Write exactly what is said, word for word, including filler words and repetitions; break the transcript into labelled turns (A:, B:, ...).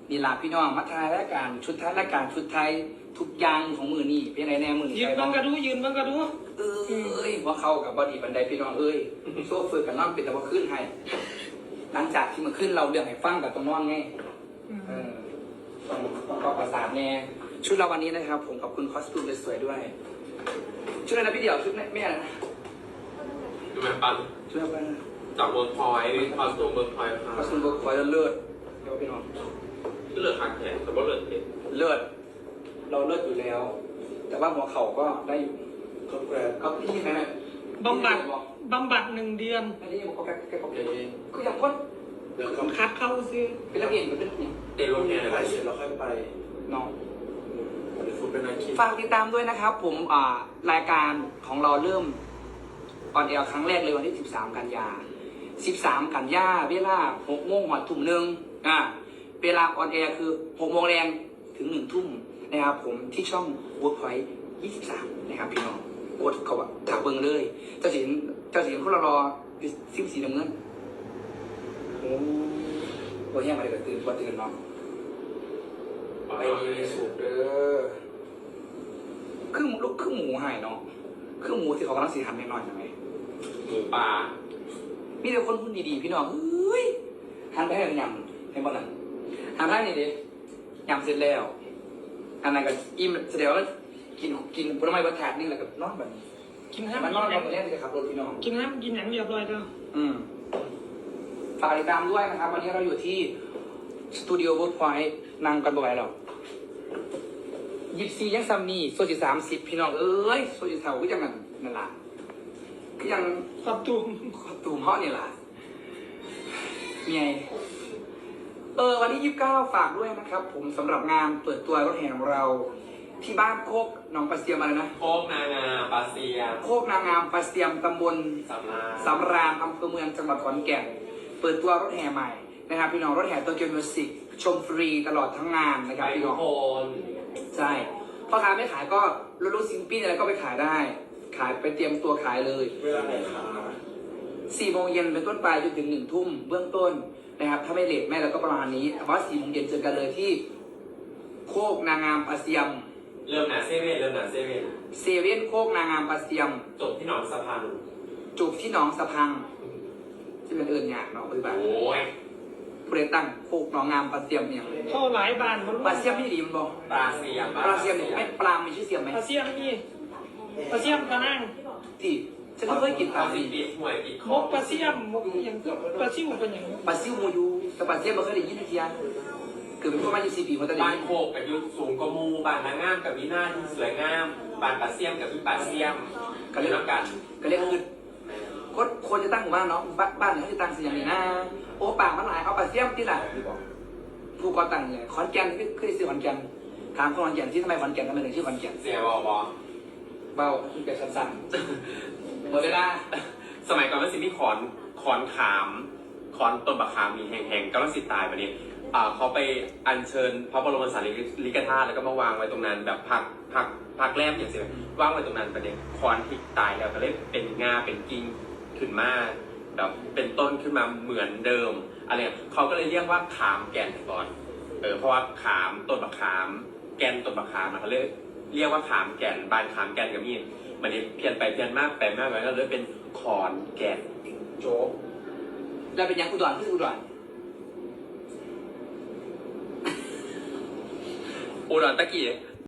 A: นี่ลาพี่น้องมาทายรายการชุดท้ายรายการชุดไทยทุกอย่างของมือนี่เป็นไรแน่มือนี่
B: ยืนบังกระดูยืนบังกระดู
A: เอ้ยว่าเข้ากับบอดีบันไดพี่น้องเอ้ยโซ่ฝึกกันน้องเป็นแต่ว่าขึ้นให้หลังจากที่มันขึ้นเราเรื่องให้ฟังกับตรงน้องไงเออต้องต้องก็ประสานแน่ชุดเราวันนี้นะครับ ผมขอบคุณคอสตูมสวยๆด้วยชุดอะไรนะพี่เดี่ยวชุดแม่แม่อะไรนะ
C: ดูแมปัน
A: ชุดอะไรนะ
C: จากเมืองพลอยคอสตูมเมืองพลอย
A: คอสตูมเบิร์กคอยเลิศเดี๋ยวพี่น้อง
C: ก็เลือดขาดแขนแต่ว่าเลือดเห็น
A: เลิศเราเลิศอยู่แล้ว แต่ว่าหัวเข่าก็ได้อยู่
C: ก็แกรน
A: ก็พี่ไหมนะ
B: บำบัดบำบัดหนึ่งเดือน
A: อันนี้ผมก็แก้แก้ผม
C: เอ
A: เอง
C: ง
A: คืออย่างคน
C: เดี๋ยวเขา
B: คัดเข้าซื้อ
A: เป็นนักเรียนเป็นเป็นเนี่ย
C: เตะรถแห่ไปเสร็จแล้วค่อยไป
A: น้อง
C: เดี๋ยวฟุตเป็นนักขี่
A: ฝากติดตามด้วยนะครับ ผมอ่ารายการของเราเริ่มออนแอร์ครั้งแรกเลยวันที่สิบสามกันยาสิบสามกันยาเวลาหกโมงหอดทุ่มหนึ่งอ่าเวลาออนแอร์คือหกโมงแรงถึงหนึ่งทุ่มนะครับผมที่ช่อง Workpoint ยี่สิบสามนะครับพี่น้องกดเขาแบบถาเบิงเลย เจ้าสินเจ้าสินพวกเรารออยู่ซิมสีน้ำเงินโอ้โหแห้งมาเลยก็ตื่นว่าตื่นเนาะไปสูบเด้อคือลูกคือหมูหายเนาะคือหมูที่เขากำลังสีหันหน่อยๆใช่ไหม
C: หมูป่า
A: มีแต่คนพูดดีๆพี่น้องเฮ้ยหันไปให้ยำให้บ้านนั้นหันไปนี่ดิยำเสร็จแล้วอันนั้นก็อิ่มแสดงว่ากินกินผลไม้บรรทัดนี่แหละกับนอนแบบนี้
B: กินห้าม
A: มันน
B: กิ
A: อน
B: น
A: แบ
B: อย่าง
A: บนี้เลยครับรถพี่น้อง
B: กินห้ามกินอย่างเรียบร้อยเด้อ
A: อืมฝากติดตามด้วยนะครับ วันนี้เราอยู่ที่สตูดิโอเวิร์กพอยต์นั่งกันบ่อยหรอกยิบซียังซัมนี่โซจิสามสิบพี่น้องเอ้ยโซจิเท่าก็ยังนั่นนั่นล่ะก็ยัง
B: ขอบตูม
A: ตูมเพาะนี่ล่ะเมียเออวันที่ยี่สิบเก้าฝากด้วยนะครับ ผมสำหรับงานเปิดตัวรถแห่ของเรา ที่บ้านโคกหนองปลาเสียมอะไรนะ
C: โคกนางาปลาเซีย
A: โคกนางงามปลาเสียมตำบล
C: สำรา
A: สำราญอำเภอเมืองจังหวัดขอนแก่น เปิดตัวรถแห่ใหม่นะครับ พี่น้องรถแห่โตเกียวมิวสิกชมฟรีตลอดทั้งงานนะครับ
C: ไป
A: พี่
C: ทุ
A: น้
C: ก
A: อง
C: คน
A: ใช่พ่อค้าไม่ขายก็รถรถซิงปี้อะไรก็ไปขายได้ ขายไปเตรียมตัวขายเลย
C: เวลาไหนคะ
A: สี่โมงเย็นเป็นต้นไปจนถึงหนึ่งทุ่มเบื้องต้นนะครับ ถ้าไม่เลทแม่เราก็ประมาณนี้แต่ว่าสี่โมงเย็นเจอกันเลยที่ โคกนางงามปลาเสียม
C: เริ่มหนาเซเว่นเริ่มหนาเซเว่น
A: เซเว่นโคกนางงามปลาเสียม
C: จบที่หนองสะพาน
A: จูบที่หนองสะพังที่เป็นเอิญหยาดเนาะปฏิบัติ
C: โอ้ย
A: ผู้ใดตั้งโคกหนองงามปลาเสียมเนี่ย
B: เข้าหลายบานมัน
A: ปลาเสียมนี่ดีมันบอก
C: ปลาเซียม
A: ปลาเสียมเนี่ยไม่ปลามีชื่อเสียมไหม
B: ปลาเสียมนี่ปลาเสียมตะนั่ง
A: ที่ฉันก็เคยกินปลา
C: เอาสิ
A: สิ
C: ปิดห่วยปิดค
B: ม
C: อก
B: ปลาเสียมมกอย่างปลาซิวเป็นอย่าง
A: ปลาซิวโมยูแต่ปลาเสียมไม่เคยได้ยินทียเกิดเป็นพวกมายี่สิบปีมาตั้งแต่
C: บ้านโคกกับยุคสูงกว่ามูบ้านนางงามกับวินาที่สวยงามบ้านปลาเซียมกับพี่ปลาเซียมกันเลยแล้วกัน
A: ก็เรียกคือคนคนจะตั้งหมู่บ้านเนาะบ้านบ้านเขาจะตั้งเสียงนี่นะโอ้ป่ามันหลายเอาปลาเสียมที่ไหนผู้ก่อตั้งเลยขอนแก่นที่เคยซื้อขอนแก่นถามคนขอนแก่นที่ทำไมขอนแก่นทำไมถึงชื่อขอนแก่น
C: เสียบอบอ
A: เบาคือแกสั้นๆหมดเวลา
C: สมัยก่อนมันสิมีขอนขอนขามขอนต้นบะขามมีแห่งๆกำลังสิตายไปเนี่ยอ่าเขาไปอัญเชิญพระบรมสารีริกธาตุแล้วก็มาวางไว้ตรงนั้นแบบพักพักพักแรมอย่างเสียวางไว้ตรงนั้นประเด็นขอนที่ตายแล้วก็เลยเป็นงาเป็นกิ่งขึ้นมาแบบเป็นต้นขึ้นมาเหมือนเดิมอะไรเขาก็เลยเรียกว่าขามแก่นก่อนเออเพราะว่าขามต้นบะขาม แก่นต้นบะขามนะเขาเลยเรียกว่าขามแก่นบานขามแก่นกับมีมันนี้เพี้ยนไปเพี้ยนมากไปมากไปก็เลยเป็นขอนแก่น
A: โจ๊กแล้วเป็นยังอุดรคืออุดร
C: อุดรตะกี้